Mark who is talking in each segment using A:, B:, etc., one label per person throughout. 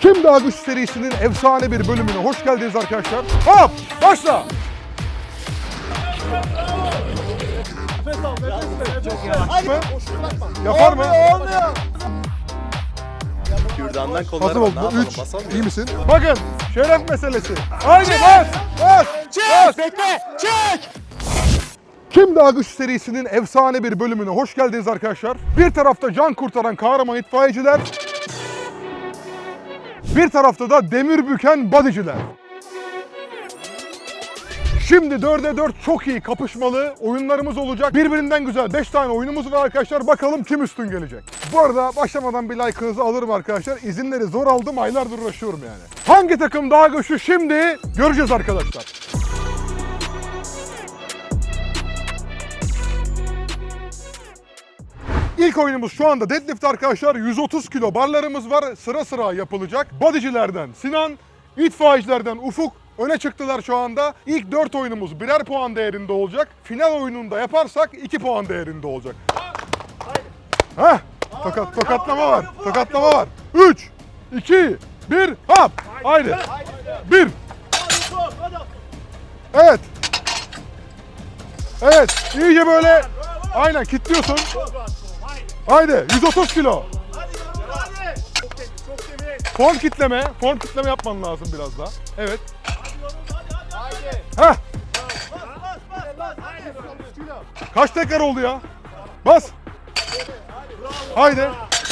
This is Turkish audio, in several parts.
A: Kim Daha Güçlü serisinin efsane bir bölümüne hoş geldiniz arkadaşlar. Hop! Başla! Yapar mı?
B: Olmuyor.
C: Kürdandan
A: Hazır
C: kolları
A: oldu.
C: var. Ne yapalım?
A: 3.
C: Basalım
A: İyi
C: mı?
A: misin? Bakın şeref meselesi. Haydi bas! Bas! Bas!
B: Bekle. Çek.
A: Kim Daha Güçlü serisinin efsane bir bölümüne hoş geldiniz arkadaşlar. Bir tarafta can kurtaran kahraman itfaiyeciler, bir tarafta da demir büken bodyciler. Şimdi 4'e 4 çok iyi kapışmalı oyunlarımız olacak. Birbirinden güzel 5 tane oyunumuz var arkadaşlar. Bakalım kim üstün gelecek. Bu arada başlamadan bir like'ınızı alırım arkadaşlar. İzinleri zor aldım, aylardır uğraşıyorum yani. Hangi takım daha güçlü şimdi göreceğiz arkadaşlar. İlk oyunumuz şu anda deadlift arkadaşlar. 130 kilo barlarımız var. Sıra sıra yapılacak. Bodycilerden Sinan, itfaiyecilerden Ufuk öne çıktılar şu anda. İlk 4 oyunumuz birer puan değerinde olacak. Final oyununda yaparsak 2 puan değerinde olacak. Heh, tokatlama var. Tokatlama var. 3, 2, 1, hop. Haydi. 1. Evet. Evet, iyice böyle aynen kilitliyorsun. Haydi 130 kilo. Form kitleme yapman lazım biraz daha. Evet. Heh. Kaç tekrar oldu ya? Bas. Haydi.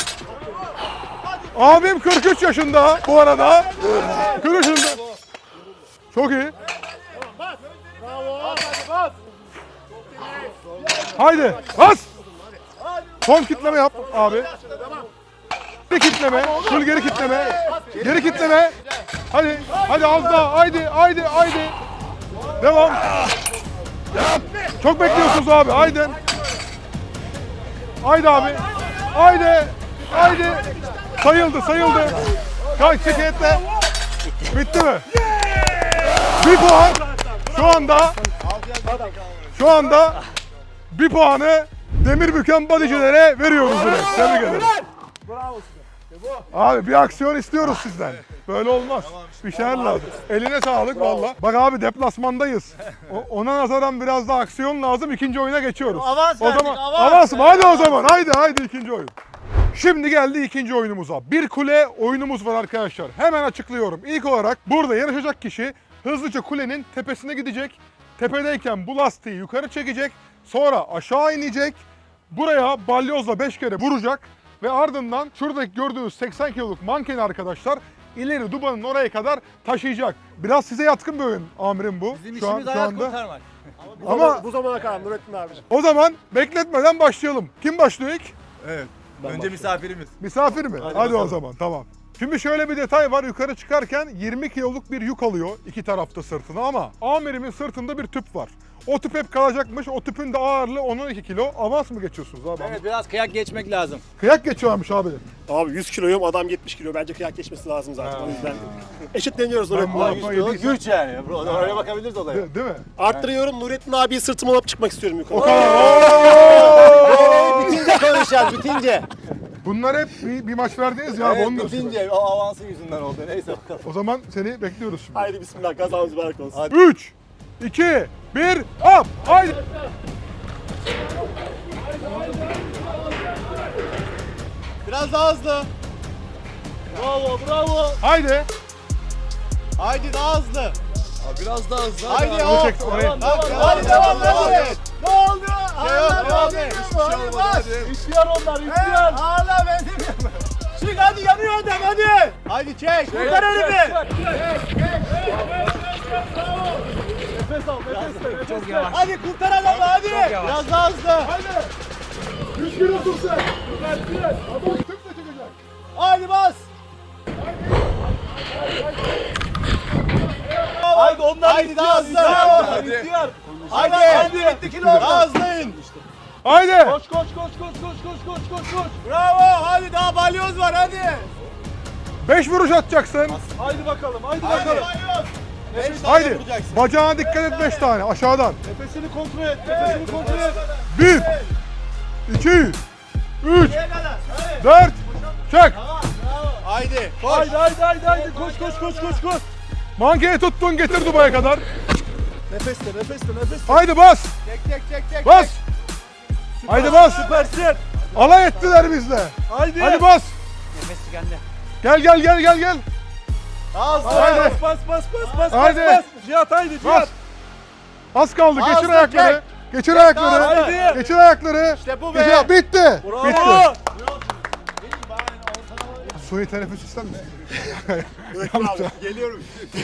A: Abim 43 yaşında bu arada. 43 yaşında. Çok iyi. Haydi bas. Son kitleme yap abi. Geri kitleme, full geri kitleme. Geri kitleme. Hadi, hadi az daha. Haydi. Devam. Çok bekliyorsunuz abi. Haydi. Haydi abi. Haydi. Sayıldı. Kaç şikayetle. Bitti mi? Bir puan. Şu anda bir puanı demir büken bodycilere veriyoruz direkt. Tebrik ederim. Abi bir aksiyon istiyoruz sizden. Böyle olmaz. Bir şeyler lazım. Eline sağlık valla. Bak abi deplasmandayız. Ona nazaran biraz daha aksiyon lazım. İkinci oyuna geçiyoruz.
B: Avans
A: o
B: verdik,
A: zaman
B: avans.
A: avans mı? Hadi o zaman. Haydi ikinci oyun. Şimdi geldi ikinci oyunumuza. Bir kule oyunumuz var arkadaşlar. Hemen açıklıyorum. İlk olarak burada yarışacak kişi hızlıca kulenin tepesine gidecek. Tepedeyken bu lastiği yukarı çekecek. Sonra aşağı inecek. Buraya balyozla 5 kere vuracak. Ve ardından şuradaki gördüğünüz 80 kiloluk mankeni arkadaşlar ileri dubanın oraya kadar taşıyacak. Biraz size yatkın bir oyun amirim bu.
B: Bizim
A: şu
B: işimiz hayat
A: anda.
B: kurtarmak.
A: Ama
D: bu zamana kadar Nurettin abi.
A: o zaman bekletmeden başlayalım. Kim başlıyor ilk?
C: Evet. Önce misafirimiz.
A: Misafir mi? Hadi o
C: bakalım.
A: zaman tamam. Şimdi şöyle bir detay var. Yukarı çıkarken 20 kiloluk bir yük alıyor iki tarafta sırtına ama amirimin sırtında bir tüp var. O tüp hep kalacakmış. O tüpün de ağırlığı 12 kilo. Avans mı geçiyorsunuz abi?
B: Evet biraz kıyak geçmek lazım.
A: Kıyak geçiyormuş abi.
D: Abi 100 kiloyum, adam 70 kilo. Bence kıyak geçmesi lazım zaten. O yüzden eşitleniyoruz
A: Ben
D: Nurettin
A: bu
D: abi.
A: lafı yediysem-
B: Güç yani. Oraya bakabiliriz olaya.
A: Değil mi?
D: Arttırıyorum, Nurettin abiyi sırtıma alıp çıkmak istiyorum yukarı.
A: O kadar.
B: Bitince konuşacağız bitince.
A: Bunlar hep bir maç verdiniz ya.
B: Evet
A: Onu diyorsun.
B: bitince o avansın yüzünden oldu. Neyse bakalım.
A: O zaman seni bekliyoruz şimdi.
D: Haydi bismillah, kazamız mübarek olsun.
A: 3, 2, 1, hop! Haydi!
B: Biraz daha hızlı. Bravo.
A: Haydi!
B: Haydi daha hızlı.
C: Biraz daha hızlı.
B: Haydi
A: Onu
B: o.
A: çek oraya.
B: Hadi devam et. Ne oldu? Devam et.
C: Hiçbir şey olmadı hadi.
B: İstiyor onlar, istiyor. Hala benim. Çık hadi yanıyor adam hadi. Hadi çek. Kurtar elimi. Nefes al. Çok yavaş. Hadi kurtar adamı hadi. Biraz daha hızlı.
A: Haydi! 100 kilosun sen! Adam tüple çıkacak.
B: Hadi bas. Haydi onlar haydi daha hızlı.
C: Hadi.
B: Haydi. Daha hızlıyın.
A: Haydi!
B: Koş. Bravo. Hadi daha balyoz var hadi.
A: 5 vuruş atacaksın.
B: Haydi bakalım.
A: Haydi. Bacağına dikkat et 5 tane aşağıdan.
B: Nefesini kontrol et.
A: 1, 2, 3, 4, çek.
B: Haydi.
C: Haydi. Koş.
A: Mankeyi tuttun getir Dubai'ye kadar.
C: Nefesle.
A: Haydi bas.
B: Çek.
A: Bas. Haydi bas.
C: Süpersin.
A: Alay ettiler bizle.
C: Haydi.
A: Hadi bas.
B: Nefes tükendi.
A: Gel. Haydi.
C: Bas.
A: Haydi.
C: Cihat haydi
A: Bas.
C: Cihat.
A: Az kaldı. Geçir
B: Ağzına
A: ayakları.
B: çek.
A: Geçir ayakları.
C: Haydi.
A: Geçir ayakları.
B: İşte bu be.
A: Geçir- Bitti.
C: Bravo.
A: Bitti. Suni teneffüs ister misin?
B: Geliyorum.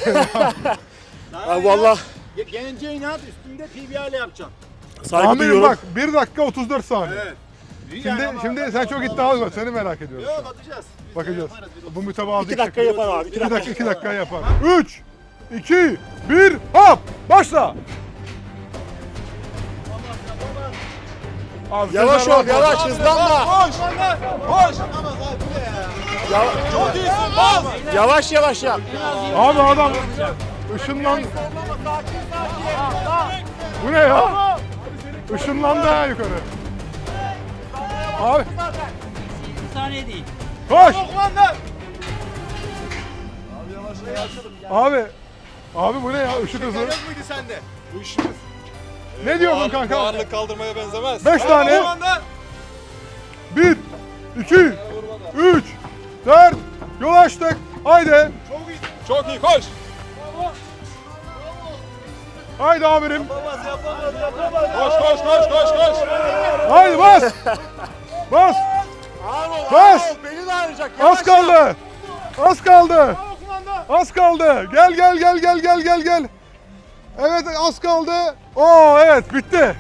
D: Abi valla
B: Gelince inat üstünde PBR ile yapacaksın.
D: saygı
A: Amirim
D: duyuyorum.
A: bak 1 dakika 34 saniye.
B: Evet.
A: Şimdi sen çok iddialı var. Seni merak ediyorum.
B: Yok atacağız.
A: Bakacağız. Bu mütevazı
D: 2 dakika yapar abi.
A: 2 dakika yapar. 3 2 1 hop başla. Abi,
D: Yavaş
A: Sezer
D: ol,
A: var.
D: yavaş hızlanma.
C: Koş.
D: Çok iyisin bas. Yavaş yap.
A: Abi adam ışınlan. Bu ne ya? Işınlandı ha yukarı. Abi
E: saniye değil.
A: koş. Abi bu ne ya ışık hızı?
C: Yok muydu sende? Bu işimiz.
A: Ne diyorsun kanka?
C: Ağırlık kaldırmaya benzemez.
A: 5 tane.
C: Kumanda.
A: 1 2 3 4 yol açtık. Haydi.
C: Çok iyi koş.
A: Haydi amirim.
C: Koş.
A: Haydi bas. Bas. Bas.
D: Beni de ağrıyacak.
A: Az kaldı. Az kaldı. Gel. Evet az kaldı. Oo evet bitti.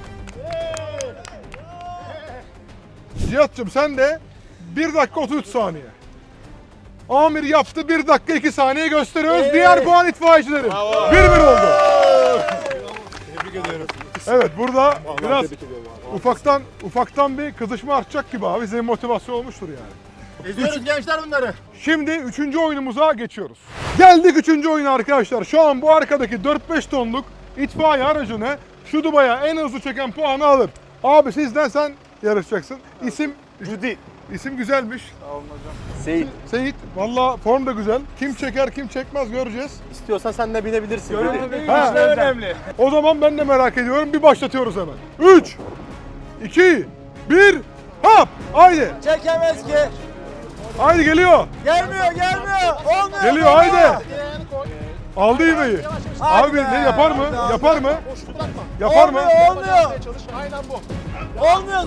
A: Cihat'cığım sen de 1 dakika 33 saniye. Amir yaptı 1 dakika 2 saniye gösteriyoruz. Diğer puan itfaiyecilerin. 1-1 oldu.
C: Tebrik ediyorum.
A: Evet burada biraz
D: Tebrik ediyorum abi.
A: ufaktan bir kızışma artacak gibi abi. Senin motivasyon olmuştur yani.
B: Eziyoruz gençler bunları.
A: Şimdi 3. oyunumuza geçiyoruz. Geldik 3. oyuna arkadaşlar. Şu an bu arkadaki 4-5 tonluk itfaiye aracını şu Dubai'ye en hızlı çeken puanı alır. Abi sizden sen yarışacaksın. İsim
D: Judy.
A: İsim güzelmiş.
D: Seyit.
A: Seyit. Valla form da güzel. Kim çeker kim çekmez göreceğiz.
D: İstiyorsan sen de binebilirsin. Judy.
A: Ha.
C: önemli.
A: O zaman ben de merak ediyorum. Bir başlatıyoruz hemen. 3 2 1 hop! Haydi.
B: Çekemez ki.
A: Haydi geliyor.
B: Gelmiyor. Olmuyor.
A: Geliyor haydi. Aldı ivmeyi. Abi ne yapar mı? Yapar mı? Yapar mı?
B: Olmuyor. Olmuyor.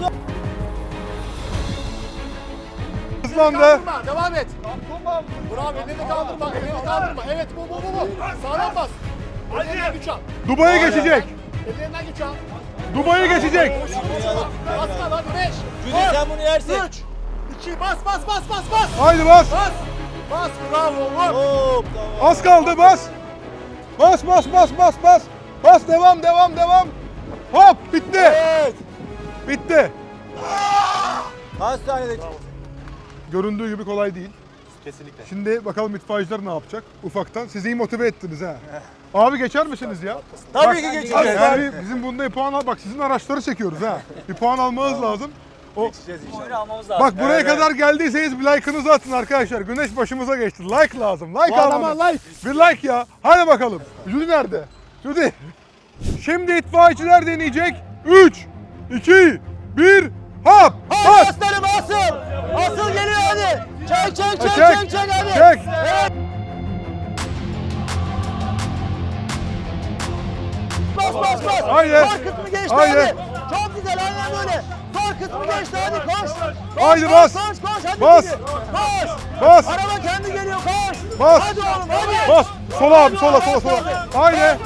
A: Hızlandı.
D: Devam et. Bravo, elini kaldırma. Evet, bu. Sağlam bas. Ellerinden güç al.
A: Dubai'ye geçecek.
D: Ellerinden güç al.
A: Dubai'ye geçecek.
D: Bas kal hadi 5.
B: Cüneyt sen bunu yersin.
D: 3. 2 bas.
A: Haydi bas.
D: Bas bravo vur.
B: Hop.
A: Az kaldı bas. Bas. Bas devam. Hop bitti.
B: Evet.
A: Bitti.
B: Kaç saniyede?
A: Göründüğü gibi kolay değil.
C: Kesinlikle.
A: Şimdi bakalım itfaiyeciler ne yapacak? Ufaktan. Sizi iyi motive ettiniz ha. Abi geçer misiniz ya?
B: Tabii ki geçeceğiz.
A: Yani bizim bunda bir puan al. Bak sizin araçları çekiyoruz ha. Bir puan almanız lazım. O,
E: Oyunu almamız lazım.
A: bak buraya kadar geldiyseniz bir like'ınızı atın arkadaşlar. Güneş başımıza geçti. Like lazım. Like almanız. Bir like ya. Hadi bakalım. Judy nerede? Judy. Şimdi itfaiyeciler deneyecek. 3 2 1 hop! Bas!
B: Aslanım asıl. Asıl geliyor hadi. Çek hadi.
A: Çek!
B: Evet. Bas.
A: Haydi.
B: Sağ kısmı geçti
A: Haydi.
B: hadi. Çok güzel aynen böyle. Sağ kısmı geçti hadi koş.
A: Haydi bas.
B: Koş hadi.
A: Bas.
B: gidiyor. Koş.
A: Bas!
B: Araba kendi geliyor koş.
A: Bas.
B: Hadi oğlum hadi.
A: Bas! Sola abi, sola.
B: Bas.
A: Haydi!
B: Bas.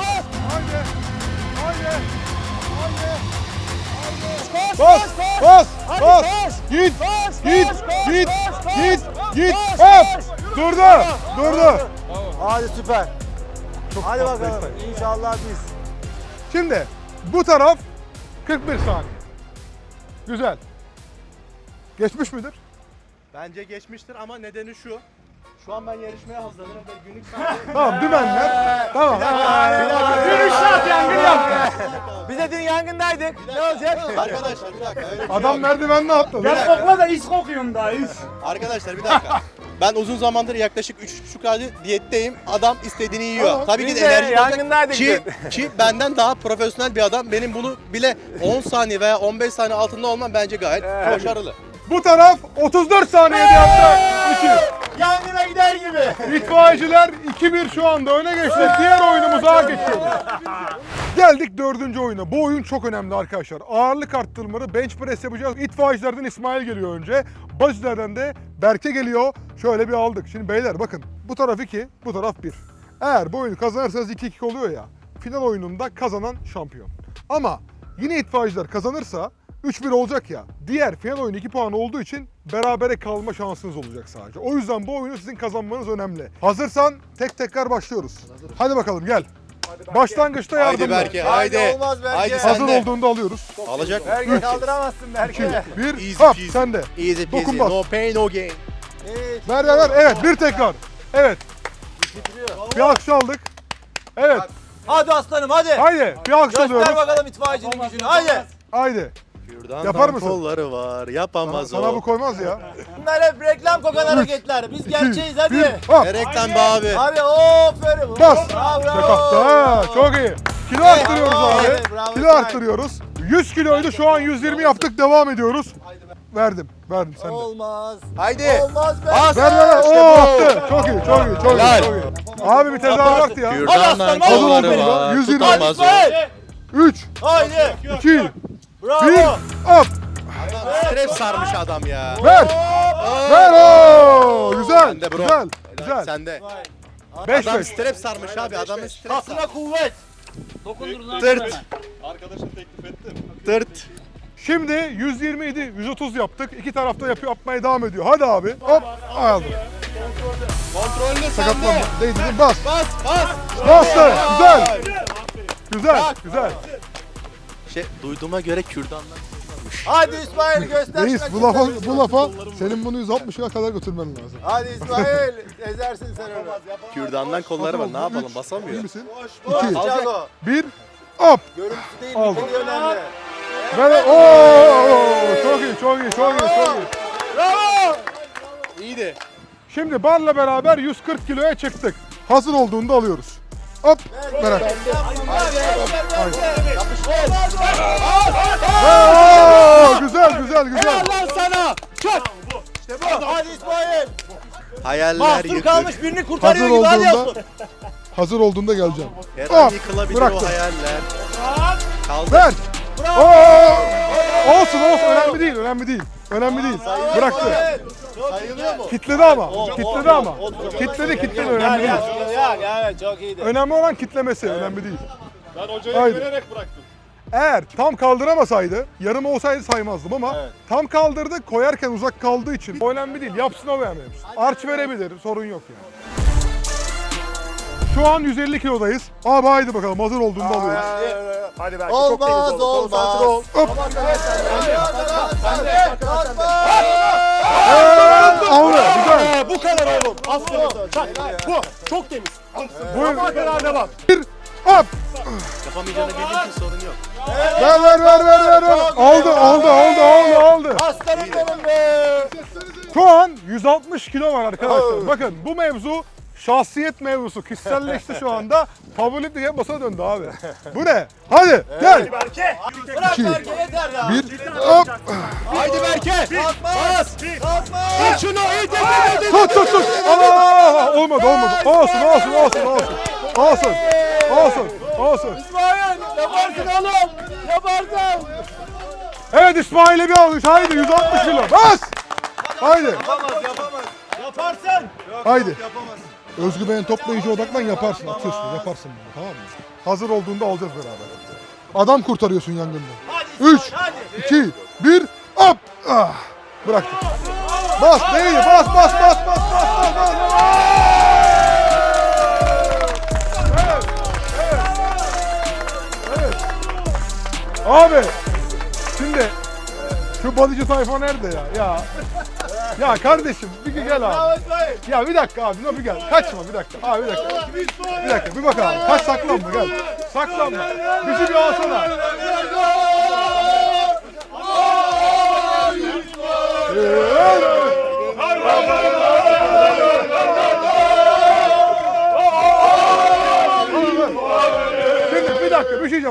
A: Bas!
B: Hadi
A: Bas!
B: koş.
A: Git!
B: Koş,
A: Git!
B: koş, koş,
A: Git!
B: koş,
A: Git!
B: koş,
A: Git!
B: koş,
A: Hop!
B: koş.
A: Durdu!
B: Hadi süper.
A: Çok
B: Hadi
A: tatlı
B: bakalım.
A: istedim.
B: İnşallah biz.
A: Şimdi bu taraf 41 saniye. Güzel. Geçmiş midir?
D: Bence geçmiştir ama nedeni şu. Şu an ben yarışmaya hazırlanıyorum ve günlük saati...
A: Tamam dümenler. Tamam.
B: Yürüyüş saat yangın yaptı. Biz de dün yangındaydık. Ne olacak?
C: Arkadaşlar bir dakika. Öyle bir şey
A: Adam
C: yok.
A: merdivenle atladı.
E: Kokla da is kokuyorum daha is.
C: Arkadaşlar bir dakika.
B: Ben uzun zamandır yaklaşık 3,5 aydır diyetteyim. Adam istediğini yiyor.
D: Tamam,
B: Tabii ki
D: biz
B: de
D: de
B: enerji
D: yangındaydık
B: ki benden daha profesyonel bir adam. Benim bunu bile 10 saniye veya 15 saniye altında olmam bence gayet başarılı.
A: Bu taraf 34 saniyede yaptı. 2.
D: Yangına gider gibi.
A: İtfaiyeciler 2-1 şu anda öne geçti. Diğer oyunumuza geçiyoruz. Geldik 4. oyuna. Bu oyun çok önemli arkadaşlar. Ağırlık arttırmaları, bench press yapacağız. İtfaiyecilerden İsmail geliyor önce. Bazılardan de Berke geliyor. Şöyle bir aldık. Şimdi beyler bakın. Bu taraf 2, bu taraf 1. Eğer bu oyunu kazanırsanız 2-2 oluyor ya. Final oyununda kazanan şampiyon. Ama yine itfaiyeciler kazanırsa 3-1 olacak ya. Diğer final oyunu 2 puan olduğu için berabere kalma şansınız olacak sadece. O yüzden bu oyunu sizin kazanmanız önemli. Hazırsan tekrar başlıyoruz. Hadi bakalım gel. Başlangıçta
B: Haydi
A: yardım ver.
B: Berke, haydi.
D: Olmaz Berke.
B: Haydi
A: Hazır
B: sen de.
A: olduğunda alıyoruz.
B: Alacak.
D: Berke kaldıramazsın
A: 2,
D: Berke.
A: 1,
B: Easy
A: hop
B: peasy.
A: sen de.
B: Easy peasy,
A: Dokun bas.
B: no pain no gain.
A: Ver. Evet, bir tekrar. Evet. Bir alkış aldık. Evet.
D: Hadi aslanım hadi.
A: Haydi. Bir alkış
D: Göster
A: alıyoruz.
D: bakalım itfaiyecinin gücünü. Haydi.
A: Haydi.
B: Kürdandan
A: Yapar mısın?
B: kolları var, yapamaz
A: Sana
B: o.
A: bu koymaz ya.
D: Bunlar hep reklam kokan hareketler. Biz gerçeğiz hadi.
A: 1, hop.
B: Erekten be abi.
D: Abi aferin.
A: Bas.
D: Bravo.
A: Ha, çok iyi. Kilo arttırıyoruz abi.
D: Evet, bravo,
A: Kilo
D: İsmail.
A: arttırıyoruz. 100 kiloydu, şu an 120 yaptık. Devam ediyoruz. Verdim sen de.
D: Olmaz.
B: Haydi.
D: Olmaz be.
B: Bas.
A: Ver.
B: İşte
A: Oo,
B: bu.
A: attı. Çok iyi.
B: Helal.
A: Abi bir tezahürat ya.
B: Kürdandan
D: Hadi
B: kolları
A: aslanım.
B: var,
A: 120.
B: tutamaz o.
D: İsmail.
A: 3,
D: Haydi.
A: 2, 1,
D: Bravo.
A: hop.
B: Stres sarmış adam ya.
A: Ver. Ver o. Güzel.
B: Sen de bro.
A: Güzel.
B: Sende.
A: 5
B: Adam
A: 5.
B: stres sarmış abi. Adamın stres
D: Kasına kuvvet.
E: Dokundurun lan.
B: Tırt.
E: bana.
C: Arkadaşım teklif ettim.
B: Tırt.
A: Şimdi 120 idi, 130 yaptık. İki tarafta yapmaya devam ediyor. Hadi abi. Hop. Aldı.
B: Kontrollü
A: Sakatlanma.
B: sende.
A: Değdi. Bas.
B: Bas.
A: Bastı. Güzel.
B: Duyduğuma göre kürdandan.
D: Hadi İsmail göster.
A: Reis
D: şuna
A: bu lafa senin bunu 160'a kadar götürmen lazım.
D: Hadi İsmail. Ezersin sen onu.
B: Kürdandan kolları var. Ne yapalım?
A: İyi
B: Basamıyor.
A: misin?
D: Alacak o.
A: 1, hop.
D: Görüntüsü değil,
A: Aldım.
D: niteliği önemli.
A: Ver. Oo, çok iyi.
D: Bravo.
B: İyiydi.
A: Şimdi barla beraber 140 kiloya çıktık. Hazır olduğunda alıyoruz. Hop. Merak. Güzel.
D: Lan sana. Çak. İşte bu. Hadi İsmail.
B: Hayaller
D: Mahsur
B: yıkık.
D: kalmış birini
A: Hazır
D: kurtarıyor gibi hadi yapsın.
A: olduğunda hazır olduğunda geleceğim.
B: Her an
A: Hop.
B: yıkılabilir
A: Bıraktım.
B: o hayaller. Kaldı.
A: Ver. Oo. Olsun. Önemli değil. Bıraktı.
D: Sayılıyor mu?
A: Kitledi ama. Kitledi önemli değil.
D: Evet çok iyiydi.
A: Önemli olan kitlemesi, önemli değil.
C: Ben hocaya
A: Haydi.
C: güvenerek bıraktım.
A: Eğer tam kaldıramasaydı, yarım olsaydı saymazdım ama tam kaldırdı, koyarken uzak kaldığı için o önemli değil. Yapsın o beğenmeyiz. Arç verebilir, sorun yok yani. Şu an 150 kilodayız. Abi haydi bakalım, hazır olduğunda alıyoruz.
D: Hadi belki olmaz olmaz.
A: Hop. Aldı, güzel.
D: Bu kadar oğlum. Aferin. Çak. Bu. Çok temiz.
A: Buyur.
D: Devam.
A: Bir, hop.
B: Yapamayacağını bildiğin için sorun yok.
A: Ver. Aldı.
D: Aslanım benim be.
A: Şu an 160 kilo var arkadaşlar. Bakın bu mevzu şahsiyet mevzusu. Kişiselleşti şu anda. Favorit diye basa döndü abi. Bu ne? Hadi gel.
D: Bırak
A: İki.
D: Berke yeter ya.
A: Bir, hop.
B: Haydi Berke.
D: Bas. Kalkma.
B: Tut şunu. İyi
A: Tut. Aa, olmadı. Olsun.
D: İsmail yaparsın oğlum. Yaparsın.
A: Evet İsmail'e bir alış. Haydi 160 kilo. Bas. Haydi.
D: Yapamaz. Yaparsın.
A: Haydi. Özgüven toplayıcı odaklan yaparsın. Atıyorsun. Yaparsın bunu, tamam mı? Hazır olduğunda alacağız beraber. Adam kurtarıyorsun yangından.
D: Hadi
A: 3,
D: İsmail, hadi.
A: 2, 1, hop! Ah, bıraktım. Bas, değil, bas. Evet. Abi, şimdi şu balıcı tayfa nerede ya? Ya kardeşim, bir gel abi.
D: Bravo İsmail.
A: Ya bir dakika abi, bir gel. Kaçma bir dakika. Abi bir dakika. Bir bak abi. Kaç saklanma gel. Saklanma. Bizi bir alsana.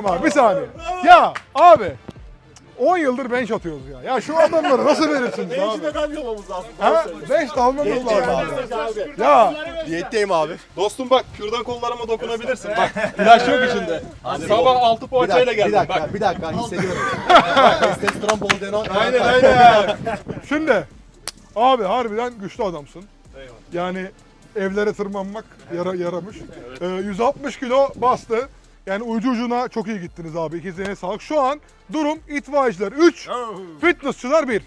A: Söyleyeceğim abi bir saniye. Ya abi 10 yıldır bench atıyoruz ya. Ya şu adamları nasıl verirsiniz abi?
B: Beşi de kalmamamız lazım.
A: Ha? Bench de almamız
B: Beşi
A: lazım.
B: abi.
A: Ya
C: Diyetteyim abi. Dostum bak kürdan kollarıma dokunabilirsin. Bak ilaç yok içinde. Sabah 6 poğaçayla geldim. Bak.
B: Bir dakika hissediyorum. Bak testosteron bol deno.
C: Aynen.
A: şimdi abi harbiden güçlü adamsın. Yani evlere tırmanmak yaramış. 160 kilo bastı. Yani ucu ucuna çok iyi gittiniz abi. İkizlerine sağlık. Şu an durum itfaiyeciler 3, fitnessçılar 1.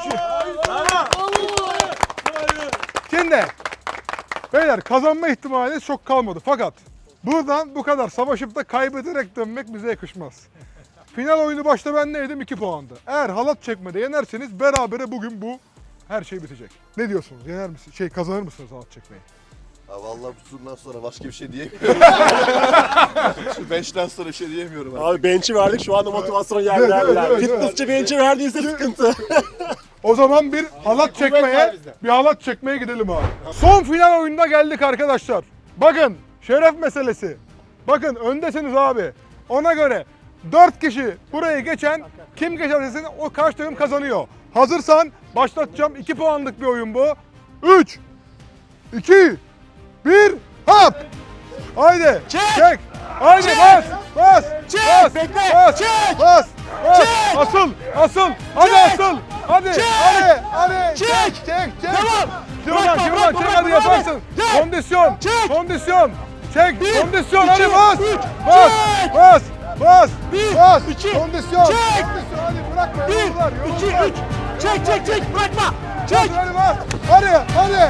A: Şimdi beyler kazanma ihtimaliniz çok kalmadı. Fakat buradan bu kadar savaşıp da kaybederek dönmek bize yakışmaz. Final oyunu başta ben neydim? 2 puandı. Eğer halat çekmede yenerseniz berabere bugün bu her şey bitecek. Ne diyorsunuz? Yener misiniz? Kazanır mısınız halat çekmeyi?
F: Ya vallahi bu turdan sonra başka bir şey diyemiyorum. Şu bench'ten sonra bir şey diyemiyorum abi.
B: Abi bench'i verdik şu anda motivasyon
A: Evet,
B: yerlerler.
A: evet,
B: Fitnessçi bench'i verdiyse sıkıntı.
A: O zaman bir halat çekmeye gidelim abi. Son final oyununa geldik arkadaşlar. Bakın şeref meselesi. Bakın öndesiniz abi. Ona göre 4 kişi burayı geçen kim geçerse o karşı takım kazanıyor. Hazırsan başlatacağım. 2 puanlık bir oyun bu. 3 2 1 hop. Haydi. Çek. Haydi bas.
B: Bekle.
A: Bas.
B: Çek.
A: Bas.
B: Çek.
A: Asıl. Hadi asıl. Hadi. Hadi.
B: Çek.
A: Çek.
B: Tamam.
A: Kırma.
B: Bırakma,
A: Çek hadi
B: bırakma,
A: yaparsın.
B: Çek.
A: Kondisyon.
B: Çek.
A: Kondisyon. Çek.
B: Bir,
A: Kondisyon.
B: iki,
A: Hadi bas.
B: üç.
A: Bas.
B: Çek.
A: Bas.
B: Bir,
A: Bas.
B: iki,
A: Kondisyon.
B: çek.
A: Kondisyon. Hadi bırakma.
B: 1,
A: Yoruldular.
B: 2, 3. Çek. Bırakma. Çek.
A: Hadi bas. Hadi.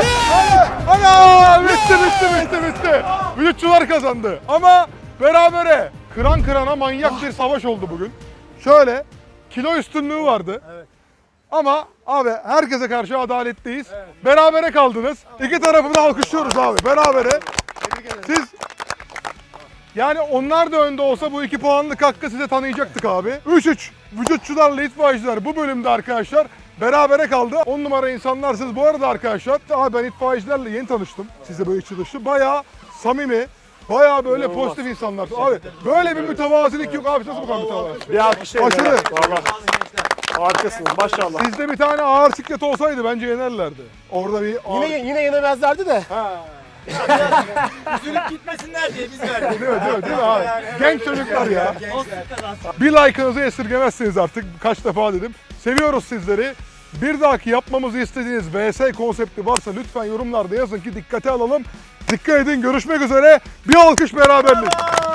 A: Aa, bitti. Vücutçular kazandı. Ama berabere kıran kırana manyak bir savaş oldu bugün. Şöyle kilo üstünlüğü vardı. Ama abi herkese karşı adaletliyiz. Berabere kaldınız. İki tarafı da alkışlıyoruz abi. Berabere. Siz yani onlar da önde olsa bu 2 puanlık hakkı size tanıyacaktık abi. 3-3 vücutçularla itfaiyeciler bu bölümde arkadaşlar berabere kaldı. 10 numara insanlarsınız. Bu arada arkadaşlar abi ben itfaiyecilerle yeni tanıştım. Size böyle içi dışı. Bayağı samimi. Bayağı böyle pozitif insanlar. Abi böyle bir mütevazilik yok abi. Nasıl bu kadar mütevazi?
B: Bir alkışlayın.
A: Aşırı.
B: Valla. Harikasınız maşallah.
A: Sizde bir tane ağır siklet olsaydı bence yenerlerdi. Orada bir ağır...
B: Yine yenemezlerdi de.
E: Üzülüp gitmesinler diye biz verdik.
A: Değil mi abi? Genç çocuklar ya.
E: Olsun kazansın.
A: Bir like'ınızı esirgemezsiniz artık. Kaç defa dedim. Seviyoruz sizleri. Bir dahaki yapmamızı istediğiniz VS konsepti varsa lütfen yorumlarda yazın ki dikkate alalım. Dikkat edin. Görüşmek üzere. Bir alkış beraberlik.